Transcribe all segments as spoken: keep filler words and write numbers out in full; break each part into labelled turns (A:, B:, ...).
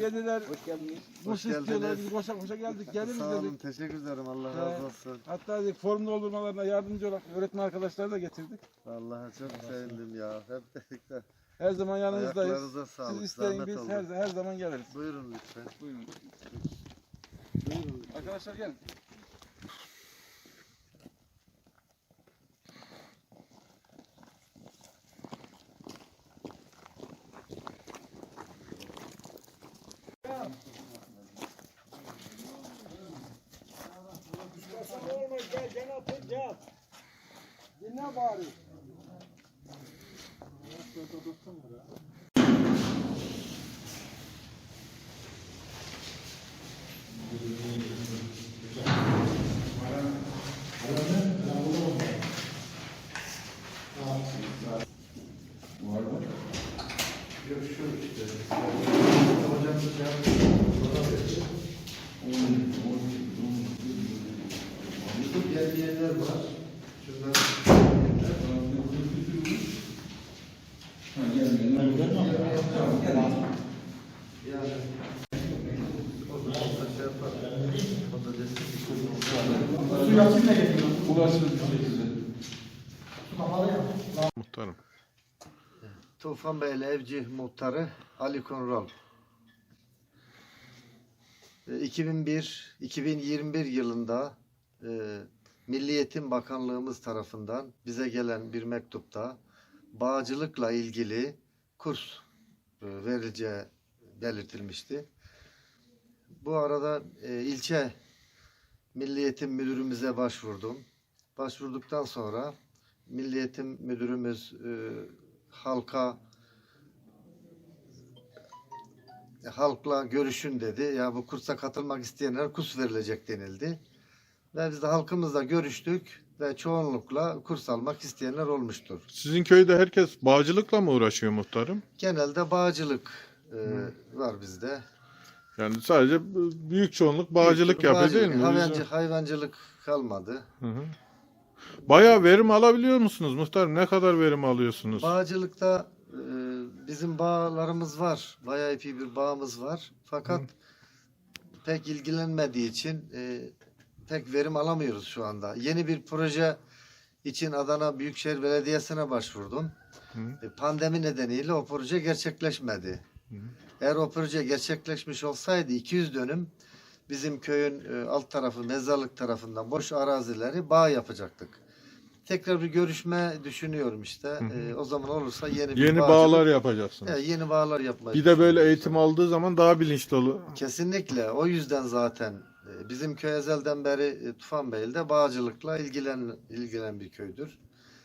A: dediler.
B: Hoş geldiniz.
A: Kurs istiyorlar. Biz koşa koşa geldik. Geliriz
C: Sağ olun,
A: dedik.
C: teşekkür ederim. Allah
A: Ee,
C: razı olsun.
A: Hatta dedik, form doldurmalarına yardımcı olan öğretmen arkadaşları da getirdik.
C: Vallahi çok sevindim ya. Hep birlikte.
A: Her zaman yanınızdayız.
C: Ayaklarınıza sağlık.
A: Siz isteyin,
C: Zahmet
A: biz
C: oldu.
A: her, her zaman geliriz.
C: Buyurun lütfen.
A: Buyurun. Buyurun. Arkadaşlar gelin.
B: Gel gel atın gel. Dinle bari.
C: Görüşürüz işte. Hocam YouTube yerler var. Şunlar. Yani
D: Muhtarım.
C: Tufanbeyli Evci Muhtarı Ali Kunral. iki bin bir iki bin yirmi bir yılında e, Milli Eğitim Bakanlığımız tarafından bize gelen bir mektupta bağcılıkla ilgili kurs e, verileceği belirtilmişti. Bu arada e, ilçe Milli Eğitim Müdürümüze başvurdum. Başvurduktan sonra Milli Eğitim Müdürümüz e, halka e, halkla görüşün dedi. Ya bu kursa katılmak isteyenler kurs verilecek denildi. Ve biz de halkımızla görüştük ve çoğunlukla kurs almak isteyenler olmuştur.
D: Sizin köyde herkes bağcılıkla mı uğraşıyor muhtarım?
C: Genelde bağcılık e, var bizde.
D: Yani sadece büyük çoğunluk bağcılık yapıyor
C: Bağcılık,
D: değil mi?
C: Hayvancı, hayvancılık kalmadı.
D: Hı hı. Bayağı verim alabiliyor musunuz muhtarım? Ne kadar verim alıyorsunuz?
C: Bağcılıkta e, bizim bağlarımız var. Bayağı epey bir bağımız var. Fakat Hı. pek ilgilenmediği için e, pek verim alamıyoruz şu anda. Yeni bir proje için Adana Büyükşehir Belediyesi'ne başvurdum. Hı. E, pandemi nedeniyle o proje gerçekleşmedi. Hı. Eğer o proje gerçekleşmiş olsaydı iki yüz dönüm bizim köyün e, alt tarafı mezarlık tarafından boş arazileri bağ yapacaktık. Tekrar bir görüşme düşünüyorum işte. Hı hı. E, o zaman olursa yeni bir
D: Yeni
C: bağcılık,
D: bağlar yapacaksınız.
C: E, yeni bağlar yapmayı
D: Bir de böyle eğitim aldığı zaman daha bilinçli olur.
C: Kesinlikle. O yüzden zaten e, bizim köy ezelden beri e, Tufanbeyli'de bağcılıkla ilgilen ilgilenen bir köydür.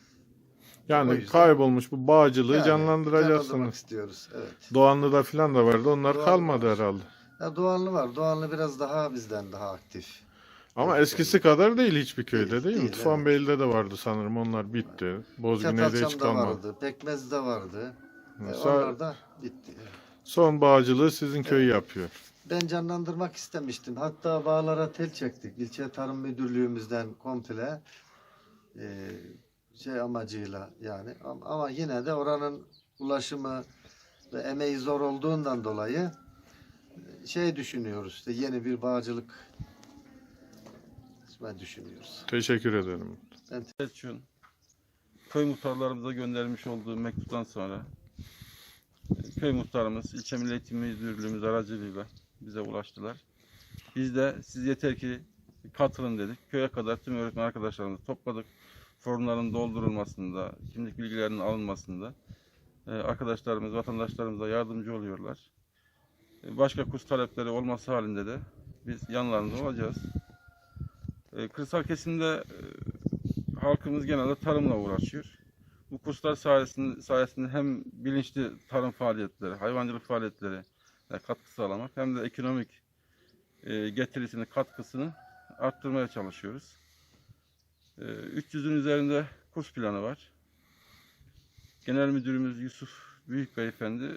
D: Yani kaybolmuş bu bağcılığı
C: yani,
D: canlandıracaksınız.
C: canlandırmak istiyoruz. Evet.
D: Doğanlı'da falan da vardı. Onlar
C: Doğanlı
D: kalmadı
C: var.
D: herhalde.
C: Ya Doğanlı var. Doğanlı biraz daha bizden daha aktif.
D: Ama
C: evet,
D: eskisi yani. kadar değil hiçbir köyde değil,
C: değil,
D: değil mi?
C: Evet.
D: Tufanbeyli'de de vardı sanırım. Onlar bitti. Bozgüney'de hiç kalmadı.
C: vardı. Pekmez'de vardı.
D: Mesela,
C: onlar da bitti.
D: Son bağcılığı sizin köy
C: evet.
D: yapıyor.
C: Ben canlandırmak istemiştim. Hatta bağlara tel çektik. İlçe Tarım Müdürlüğümüzden komple e, şey amacıyla yani. Ama yine de oranın ulaşımı ve emeği zor olduğundan dolayı şey düşünüyoruz. İşte yeni bir bağcılık düşünüyoruz.
D: Teşekkür ederim.
A: Ben Selçuk'un köy muhtarlarımıza göndermiş olduğu mektuptan sonra köy muhtarımız ilçe Milli Eğitim Müdürlüğümüz aracılığıyla bize ulaştılar. Biz de siz yeter ki katılın dedik. Köye kadar tüm öğretmen arkadaşlarımızı topladık. Formların doldurulmasında, kimlik bilgilerinin alınmasında arkadaşlarımız, vatandaşlarımıza yardımcı oluyorlar. Başka kurs talepleri olması halinde de biz yanlarında olacağız. Kırsal kesimde halkımız genelde tarımla uğraşıyor. Bu kurslar sayesinde, sayesinde hem bilinçli tarım faaliyetleri, hayvancılık faaliyetleri katkı sağlamak hem de ekonomik getirisini, katkısını arttırmaya çalışıyoruz. üç yüzün üzerinde kurs planı var. Genel Müdürümüz Yusuf Büyük Beyefendi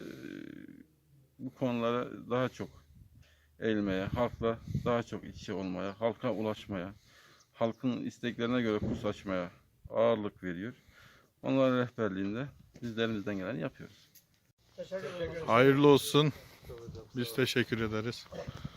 A: bu konulara daha çok eğilmeye, halkla daha çok iç içe olmaya, halka ulaşmaya, halkın isteklerine göre kurs açmaya ağırlık veriyor. Onların rehberliğinde bizlerimizden geleni yapıyoruz.
D: Hayırlı olsun. Biz teşekkür ederiz.